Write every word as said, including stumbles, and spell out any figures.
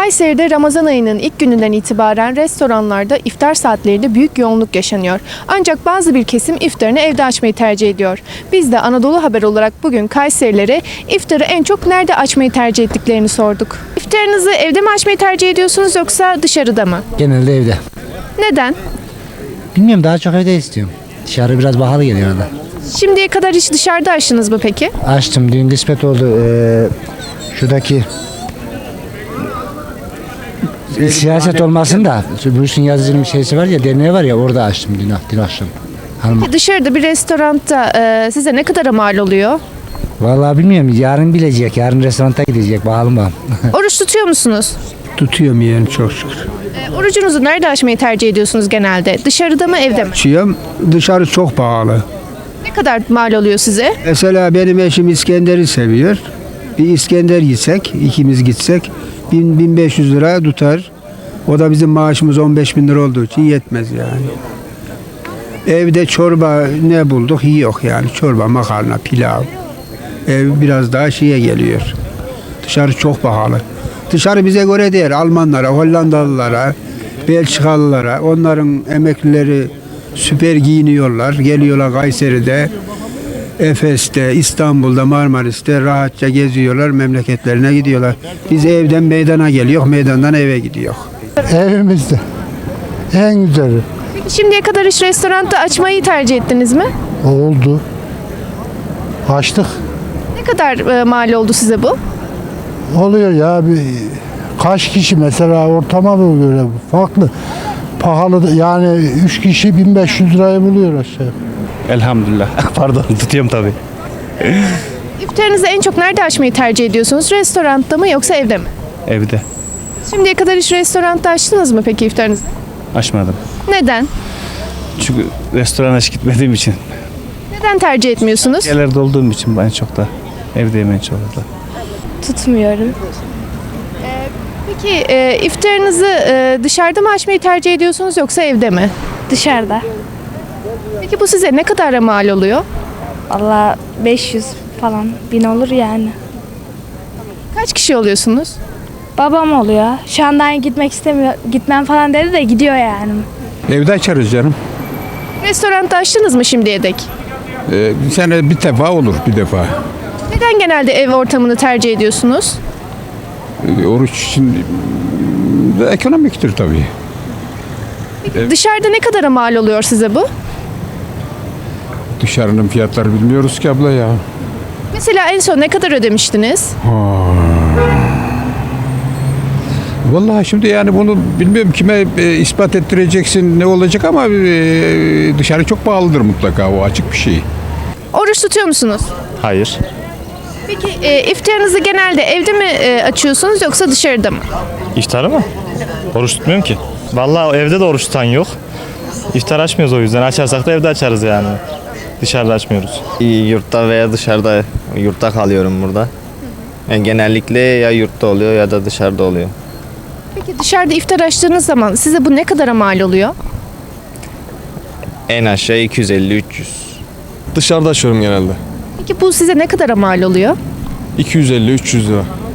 Kayseri'de Ramazan ayının ilk gününden itibaren restoranlarda iftar saatlerinde büyük yoğunluk yaşanıyor. Ancak bazı bir kesim iftarını evde açmayı tercih ediyor. Biz de Anadolu Haber olarak bugün Kayserililere iftarı en çok nerede açmayı tercih ettiklerini sorduk. İftarınızı evde mi açmayı tercih ediyorsunuz yoksa dışarıda mı? Genelde evde. Neden? Bilmiyorum, daha çok evde istiyorum. Dışarı biraz pahalı geliyor orada. Şimdiye kadar hiç dışarıda açtınız mı peki? Açtım, dün kısmet oldu. Ee, şuradaki siyaset olmasın da bu işin yazıcının bir şeysi var ya, derneği var ya, orada açtım dün, dün akşam. Hanım. Dışarıda bir restoranda e, size ne kadara mal oluyor? Vallahi bilmiyorum, yarın bilecek, yarın restoranta gidecek, bakalım bakalım. Oruç tutuyor musunuz? Tutuyorum yani, çok şükür. E, orucunuzu nerede açmayı tercih ediyorsunuz genelde? Dışarıda mı evde mi? Açıyorum, dışarı çok pahalı. Ne kadar mal oluyor size? Mesela benim eşim İskender'i seviyor. Bir İskender yesek, ikimiz gitsek bin bin beş yüz lira tutar. O da bizim maaşımız on beş bin lira olduğu için yetmez yani. Evde çorba ne bulduk? Yok yani, çorba, makarna, pilav. Ev biraz daha şeye geliyor. Dışarı çok pahalı. Dışarı bize göre değil, Almanlara, Hollandalılara, Belçikalılara, onların emeklileri süper giyiniyorlar. Geliyorlar Kayseri'de, Efes'te, İstanbul'da, Marmaris'te rahatça geziyorlar, memleketlerine gidiyorlar. Biz evden meydana geliyor, meydandan eve gidiyor. Evimizde. En güzeli. Peki şimdiye kadar hiç restoranda açmayı tercih ettiniz mi? Oldu. Açtık. Ne kadar e, mal oldu size bu? Oluyor ya. Bir, kaç kişi mesela ortama göre farklı. Pahalı yani üç kişi bin beş yüz lirayı buluyor aşağı. Elhamdülillah. Pardon, tutuyorum tabii. İftarınızı en çok nerede açmayı tercih ediyorsunuz? Restoranda mı yoksa evde mi? Evde. Şimdiye kadar hiç restoranda açtınız mı peki iftarınızı? Açmadım. Neden? Çünkü restorana hiç gitmediğim için. Neden tercih etmiyorsunuz? Yerlerde olduğum için ben çok da evdeyim en çok da. Tutmuyorum. Peki e, iftarınızı e, dışarıda mı açmayı tercih ediyorsunuz yoksa evde mi? Dışarıda. Peki bu size ne kadar mal oluyor? Valla beş yüz falan bin olur yani. Kaç kişi oluyorsunuz? Babam oluyor. Şu anda gitmek istemiyor. Gitmem falan dedi de gidiyor yani. Evde açarız canım. Restoranda açtınız mı şimdiye dek? Ee, bir sene bir defa olur, bir defa. Neden genelde ev ortamını tercih ediyorsunuz? Ee, oruç için e, ekonomiktir tabii. Peki dışarıda ne kadara mal oluyor size bu? Dışarının fiyatları bilmiyoruz ki abla ya. Mesela en son ne kadar ödemiştiniz? Vallahi şimdi yani bunu bilmiyorum, kime e, ispat ettireceksin, ne olacak, ama e, dışarı çok pahalıdır mutlaka, o açık bir şey. Oruç tutuyor musunuz? Hayır. Peki e, iftarınızı genelde evde mi e, açıyorsunuz yoksa dışarıda mı? İftarı mı? Oruç tutmuyorum ki. Vallahi evde de oruç tutan yok. İftar açmıyoruz o yüzden. Açarsak da evde açarız yani. Dışarıda açmıyoruz. Yurtta veya dışarıda, yurtta kalıyorum burada. Yani genellikle ya yurtta oluyor ya da dışarıda oluyor. Peki dışarıda iftar açtığınız zaman size bu ne kadara mal oluyor? En aşağı iki yüz elli üç yüz. Dışarıda açıyorum genelde. Peki bu size ne kadara mal oluyor? iki yüz elli üç yüz lira.